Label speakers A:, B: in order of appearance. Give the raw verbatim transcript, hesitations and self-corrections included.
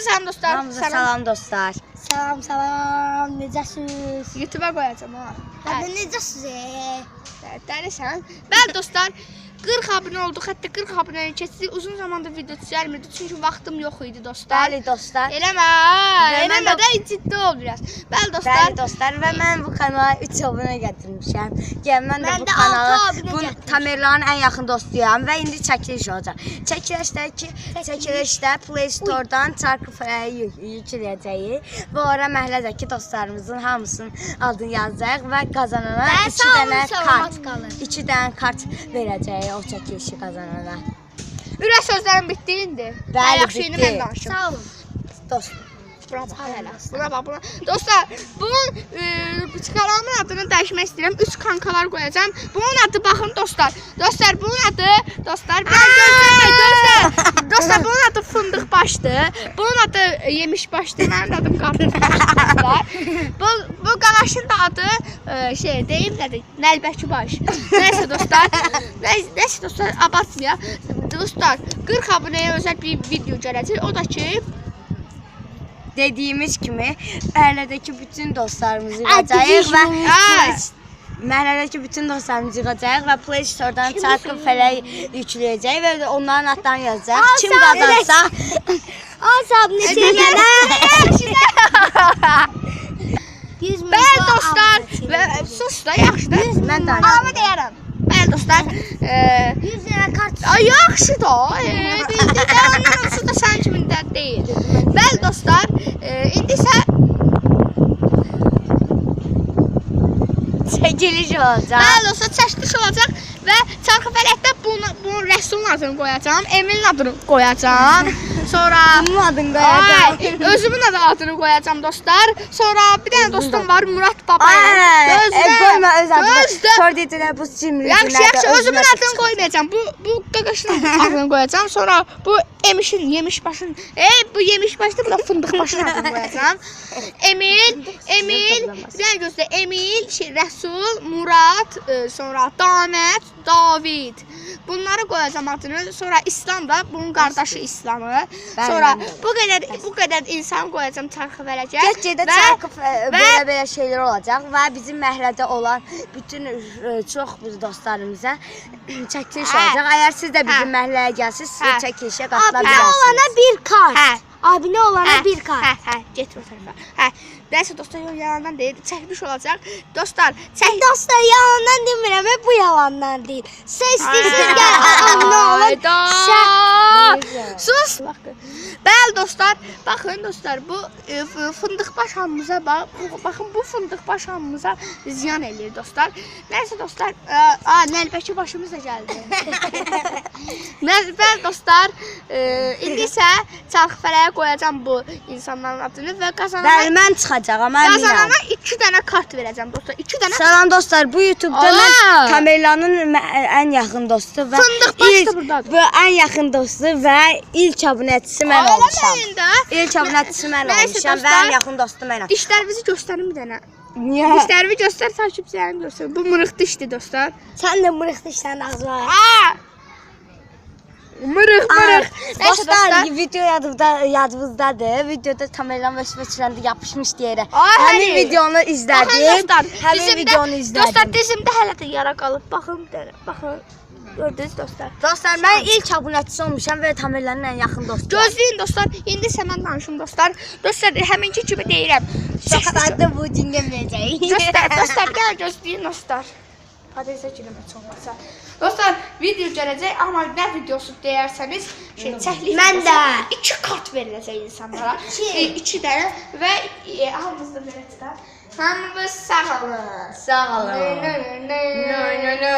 A: salam dostlar.
B: Hamza salam dostlar.
C: Salam salam, necəsiniz?
A: YouTube'a qoyacağım ha.
C: Hadi necəsiniz?
A: Dəlisən. Bəli dostlar, qırx abunə olduq. Hətta qırx abunəni keçdik. Uzun zamandır video çəkmirdim çünki vaxtım yox idi dostlar.
B: Bəli dostlar.
A: Eləmə, eləmə də ciddi ol biraz. Bəli dostlar.
B: Bəli dostlar və mən bu kanala üç abunə gətirmişəm. Gəl mən də
C: Mən
B: bu
C: də
B: kanala
C: altı abunə
B: bu
C: gətirmişəm.
B: Tamerlanın ən yaxın dostuyam və indi çəkiliş olacaq. Çəkilişdə ki, çəkilişdə Play Store-dan Çarkıfərəyi yükləyəcəyik və ora məhəllədəki dostlarımızın hamısının adını yazacağıq və qazanana iki dənə kart, iki dənə kart verəcəyik o çəkilişi qazanana.
A: Ürək sözlərim bitdi indi.
B: Bəli,
A: Yaxşı, indi
B: bitdi.
A: mən danışım.
C: Sağ olun.
B: Dost.
A: Buna bax, hələ. Buna bax, buna. Dostlar, bunun e, kanalımın adını dəyişmək istəyirəm. Üç kankalar qoyacağam. Bunun adı baxın dostlar. Dostlar, bunun adı dostlar. Biraz gözləmək dostlar. Dostlar, bunun adı fındıq başdır. Bunun adı yemiş başdır. Mənim adım qarpız başdır dostlar. Bu bu qalaşın da adı e, şey deyim nədir? Nəlbəki baş. Nəysə dostlar. Nəysə dostlar, abartmayaq. Dostlar, qırx abunəyə özəl bir video gələcək. O da ki
B: Dediyimiz kimi məhəllədəki bütün dostlarımızı yığacağıq və məhəllədəki bütün dostlarımızı yığacağıq və Play Store-dan Çarkıfərəyi yükləyəcəyik və onların adlarını yazacağıq. Kim qazansa
C: Asab neçə gələ?
A: Bəli dostlar, və sus da yaxşı da.
B: Mən də
A: Amma deyərəm. Bəli dostlar,
C: yüz dənə kart.
A: ay yaxşı da. Bildi də ondan olsa da sən kimində deyil. Bəli dostlar, indi isə
B: çəkiliş olacaq.
A: bəli dostlar, çəkiliş olacaq və Çarkıfərəkdə bunu bunun rəssulun adını qoyacağam, Emilin adını qoyacağam. Sonra
B: Bunun adını qoyacaq.
A: Ay, özümün də adını qoyacağam dostlar. Sonra bir dənə dostum var, Murat Baba.
B: Ay, qoyma öz adını.
A: Gözlə.
B: Sonra dedilər bu cimri.
A: Yaxşı, yaxşı, özümün adını qoymayacağam. Bu bu qaqaşın adını qoyacağam. Sonra bu Emişin, yemiş başın. Ey, bu yemiş başda, bu da fındıq başın adını qoyacağam. Emil, Emil, bir dənə gözlə. Emil, şey, Rəsul, Murat, e, sonra Damət, David. Bunları qoyacağam adını. Sonra İslam da bunun qardaşı İslamı. Sonra bu qədər bu qədər insan qoyacağam Çarkıfərəyə.
B: Get-gedə çarkı belə-belə şeylər olacaq və bizim məhəllədə olan bütün ə, çox dostlarımıza çəkiliş olacaq. Əgər siz də bizim məhəlləyə gəlsiniz, siz çəkilişə qatıla
C: Abinə
B: bilərsiniz.
C: olana bir kart.
A: Hə.
C: Abinə olana bir kart.
A: Hə, hə, get o tərəfə. Hə. Nəysə dostlar, yalandan deyil, çəkiliş olacaq. Dostlar, çək
C: Dostlar yalandan demirəm, bu yalandan deyil. Sən istəyirsiniz gəl abunə olun.
A: Sus. Bəli dostlar, baxın dostlar, bu e, fındıq baş hamımıza bax, bu, baxın bu fındıq baş hamımıza ziyan eləyir dostlar. Nəysə dostlar, a, nəlbəki başımız da gəldi. Bəli dostlar, e, indi isə Çarkıfərəyə qoyacağam bu insanların adını və qazanana
B: Bəli, mən çıxacağam, əminəm.
A: qazanana iki dənə kart verəcəm dostlar. iki dənə.
B: Salam dostlar, bu YouTube-da mən Tamerlanın ən yaxın dostu və
A: Fındıq baş da burdadır.
B: bu ən yaxın dostu və ilk abunəçisi mən olmuşam.
A: Ağlamayın da.
B: İlk abunəçisi mən
A: Nəysə
B: olmuşam və
A: dostlar,
B: ən yaxın dostu mənəm.
A: Dişlərimizi göstərin bir dənə.
B: Niyə?
A: Dişlərimi göstər, takipçilərimi göstər. Bu mırıq dişdir dostlar.
C: Sən də mırıq dişlərin ağzı var.
A: Aa! Mırıq, mırıq. Nəysə
B: Dostlar,
A: dostlar.
B: video yadımda, yadımızdadır. Videoda Tamerlan və Svetçiləndə yapışmış deyərək.
A: Ay,
B: Həmin
A: həli.
B: videonu
A: Baxın
B: izlədim.
A: dostlar,
B: Həmin
A: dizimdə-
B: videonu izlədim.
A: Dostlar, dizimdə hələ də yara qalıb. Baxın bir dənə, baxın. Gördünüz dostlar.
B: Dostlar, mən ilk abunəçisi olmuşam və Tamerlanın ən yaxın dostu.
A: Gözləyin dostlar. İndi isə mən danışım dostlar. Dostlar, həminki kimi deyirəm.
B: Şoxlarda bu dinləməyəcək.
A: Dostlar, dostlar, gəl gözləyin dostlar. Patatesə girmək olmasa. Dostlar, video gələcək, amma nə videosu deyərsəniz, şey, çəklik
C: Mən
A: videosu,
C: də.
A: iki kart veriləcək insanlara. E, iki dənə və e, hamımız da belə çıxar. Hamımız sağ olun.
B: Sağ olun.
A: Nö, nö, nö, nö, nö, nö.